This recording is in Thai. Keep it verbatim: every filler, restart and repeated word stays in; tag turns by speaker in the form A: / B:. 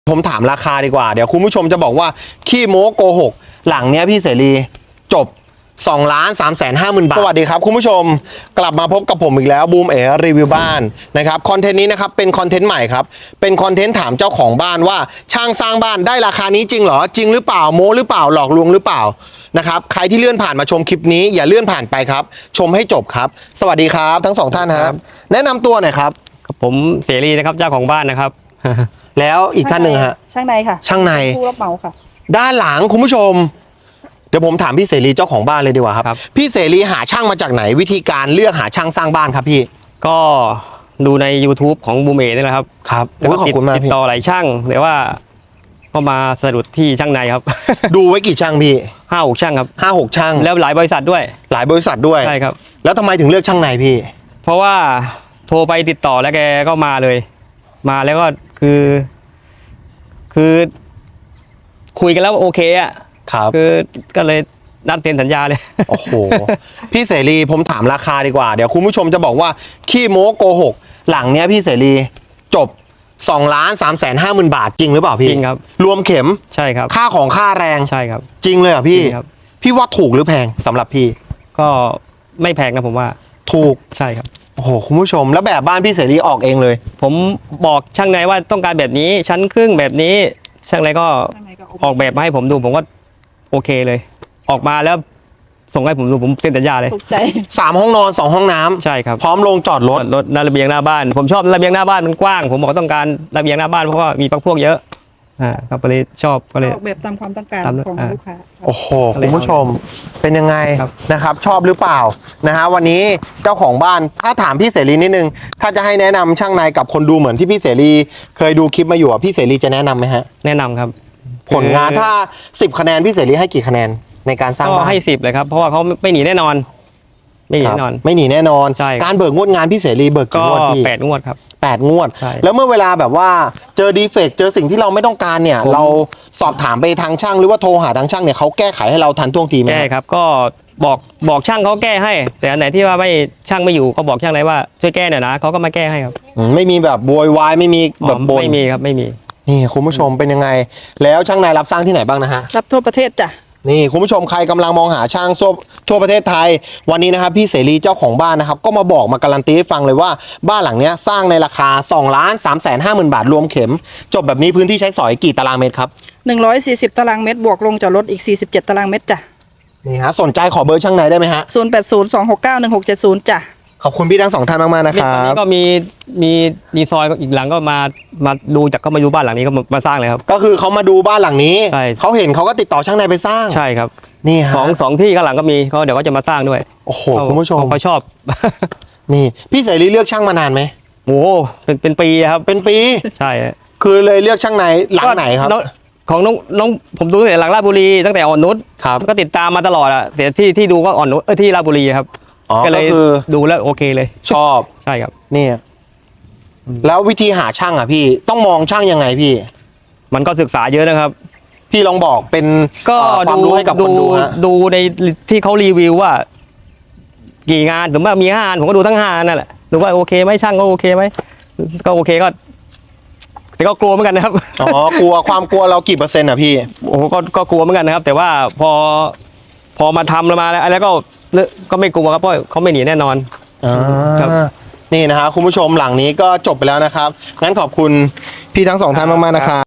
A: ผมถามราคาดีกว่าเดี๋ยวคุณผู้ชมจะบอกว่าขี้โม้โกหกหลังเนี้ยพี่เสรีจบสองล้านสามแสนห้าหมื่นบาทสวัสดีครับคุณผู้ชมกลับมาพบกับผมอีกแล้วบูมเอ๋รีวิวบ้านนะครับคอนเทนต์นี้นะครับเป็นคอนเทนต์ใหม่ครับเป็นคอนเทนต์ถามเจ้าของบ้านว่าช่างสร้างบ้านได้ราคานี้จริงเหรอจริงหรือเปล่าโม้หรือเปล่าหลอกลวงหรือเปล่านะครับใครที่เลื่อนผ่านมาชมคลิปนี้อย่าเลื่อนผ่านไปครับชมให้จบครับสวัสดีครับทั้งสองท่านครับแนะนำตัวหน่อยครับ
B: ผมเสรีนะครับเจ้าของบ้านนะครับ
A: แล้วอีกท่านหนึ่งฮะ
C: ช่างในค่ะ
A: ช่างใน
C: ผู้รับเหมาค่ะ
A: ด้านหลังคุณผู้ชมเดี๋ยวผมถามพี่เสรีเจ้าของบ้านเลยดีกว่าครับพี่เสรีหาช่างมาจากไหนวิธีการเลือกหาช่างสร้างบ้านครับพี่
B: ก็ดูใน YouTube ของบูมเอนี่แหละครับ
A: ครับ
B: ขอบคุณมากติดต่อหลายช่างแต่ว่าก็มาสะดุดที่ช่างในครับ
A: ดูไว้กี่ช่างพี่
B: ห้าหกช่างครับ
A: ห้าหกช่าง
B: แล้วหลายบริษัทด้วย
A: หลายบริษัทด้วย
B: ใช่ครับ
A: แล้วทำไมถึงเลือกช่างในพี่
B: เพราะว่าโทรไปติดต่อแล้วแกก็มาเลยมาแล้วก็คือ คือคุยกันแล้วโอเคอ่ะ
A: ครับ
B: คือก็เลยนัดเซ็นสัญญาเลย
A: โอ้โหพี่เสรีผมถามราคาดีกว่าเดี๋ยวคุณผู้ชมจะบอกว่าขี้โม้โกหกหลังเนี้ยพี่เสรีจบสองล้านสามแสนห้าหมื่นบาทจริงหรือเปล่าพี่
B: จริงครับ
A: รวมเข็ม
B: ใช่ครับ
A: ค่าของค่าแรง
B: ใช่ครับ
A: จริงเลยเหรอพี่
B: ครับ
A: พี่ว่าถูกหรือแพงสำหรับพี่
B: ก็ไม่แพงนะผมว่า
A: ถูก
B: ใช่ครับ
A: โอ้โหคุณผู้ชมแล้วแบบบ้านพี่เสรีออกเองเลย
B: ผมบอกช่างในว่าต้องการแบบนี้ชั้นครึ่งแบบนี้ช่างในก็ออกแบบมาให้ผมดูผมก็โอเคเลยออกมาแล้วส่งให้ผมดูผมเซ็นสัญญาเลย
C: ถูกใจ
A: สามห้องนอนสองห้องน้ำ
B: ใช่ครับ
A: พร้อมลงจอดรถ
B: รถระเบียงหน้าบ้านผมชอบระเบียงหน้าบ้านมันกว้างผมบอกต้องการระเบียงหน้าบ้านเพราะว่ามีพวกเยอะอ่าก็เลยชอบก็เลย
C: ออกแบบตามความต้องการของลูกค้า
A: โอ้โหคุณผู้ชมเป็นยังไงนะครับชอบหรือเปล่านะฮะวันนี้เจ้าของบ้านถ้าถามพี่เสรีนิดนึงถ้าจะให้แนะนำช่างในกับคนดูเหมือนที่พี่เสรีเคยดูคลิปมาอยู่อ่ะพี่เสรีจะแนะนำไหมฮะ
B: แนะนำครับ
A: ผลงานถ้าสิบคะแนนพี่เสรีให้กี่คะแนนในการสร้างบ้าน
B: ก็ให้สิบเลยครับเพราะว่าเขาไม่หนีแน่นอนไม่หนีแน่นอน
A: ไม่หนีแน่นอน
B: ใช่
A: การเบิกงวดงานพี่เสรีเบิกกี่งวดพี่
B: แปดงวดครับ
A: แปดงวดแล้วเมื่อเวลาแบบว่าเจอดีเฟกต์เจอสิ่งที่เราไม่ต้องการเนี่ยเราสอบถามไปทางช่างหรือว่าโทรหาทางช่างเนี่ยเขาแก้ไขให้เราทันท่วงทีไหม
B: แก้ครับก็บอกบอกช่างเขาแก้ให้แต่อันไหนที่ว่าไม่ช่างไม่อยู่ก็บอกช่างเลยว่าช่วยแก้หน่อยนะเขาก็มาแก้ให้ครับ
A: ไม่มีแบบโวยวายไม่มีแบบบ่น
B: ไม่มีครับไม่มี
A: นี่คุณผู้ชมเป็นยังไงแล้วช่างนายรับสร้างที่ไหนบ้างนะฮะ
C: รับทั่วประเทศจ้ะ
A: นี่คุณผู้ชมใครกำลังมองหาช่างทั่วประเทศไทยวันนี้นะครับพี่เสรีเจ้าของบ้านนะครับก็มาบอกมาการันตีให้ฟังเลยว่าบ้านหลังนี้สร้างในราคาสองล้านสามแสนห้าหมื่นบาทรวมเข็มจบแบบนี้พื้นที่ใช้สอยกี่ตารางเมตรครับ
C: หนึ่งร้อยสี่สิบตารางเมตรบวกลงจอดรถอีกสี่สิบเจ็ดตารางเมตรจ้ะ
A: นี่ฮะสนใจขอเบอร์ช่างนายได้ไหมฮะ
C: ศูนย์แปดศูนย์ สองหกเก้า หนึ่งหกเจ็ดศูนย์จ้ะ
A: ขอบคุณพี่ทั้งสองท่านมากๆนะครับ
B: ก็มีมีมีซอยอีกหลังก็มามาดูจากก็มาดูบ้านหลังนี้ก็มาสร้างเลยครับ
A: ก็คือเขามาดูบ้านหลังนี้เขาเห็นเขาก็ติดต่อช่างนายไปสร้าง
B: ใช่ครับ
A: นี่ฮะ
B: สองสองที่ข้างหลังก็มีเขาเดี๋ยวก็จะมาสร้างด้วย
A: โอ้โหคุณผู้ชม
B: เขาชอบ
A: นี่พี่เสรีเลือกช่างมานานไหม
B: โอ้เป็นเป็นปีครับ
A: เป็นปี
B: ใช่
A: คือเลยเลือกช่างนายหลังไหนครับ
B: ของน้องน้องผมดูตั้งแต่หลังราชบุรีตั้งแต่อ่อนนุช
A: ครับ
B: ก็ติดตามมาตลอดอะแต่ที่ที่ดูก็อ่อนนุชเออที่ราชบุรีครับ
A: ก็เลย
B: ดูแล้วโอเคเลย
A: ชอบ
B: ใช่ครับ
A: นี่แล้ววิธีหาช่างอ่ะพี่ต้องมองช่างยังไงพี่
B: มันก็ศึกษาเยอะนะครับ
A: พี่ลองบอกเป็น
B: ก็
A: ความรู้ให้กับคนดูฮะ
B: ดูในที่เขารีวิวว่ากี่งานผมว่ามีห้างานผมก็ดูทั้งห้านั่นแหละดูว่าโอเคไหมช่างก็โอเคไหมก็โอเคก็แต่ก็กลัวเหมือนกันนะครับ
A: อ๋อกลัวความกลัวเรากี่เปอร์เซ็นต์อ่ะพี่
B: โอ้ก็ก็กลัวเหมือนกันนะครับแต่ว่าพอพอมาทำแล้วมาแล้วแล้วก็ก็ไม่กลัวครับเพราะเขาไม่หนีแน่นอน
A: อ่านี่นะครับคุณผู้ชมหลังนี้ก็จบไปแล้วนะครับงั้นขอบคุณพี่ทั้งสองท่านมากๆนะครับ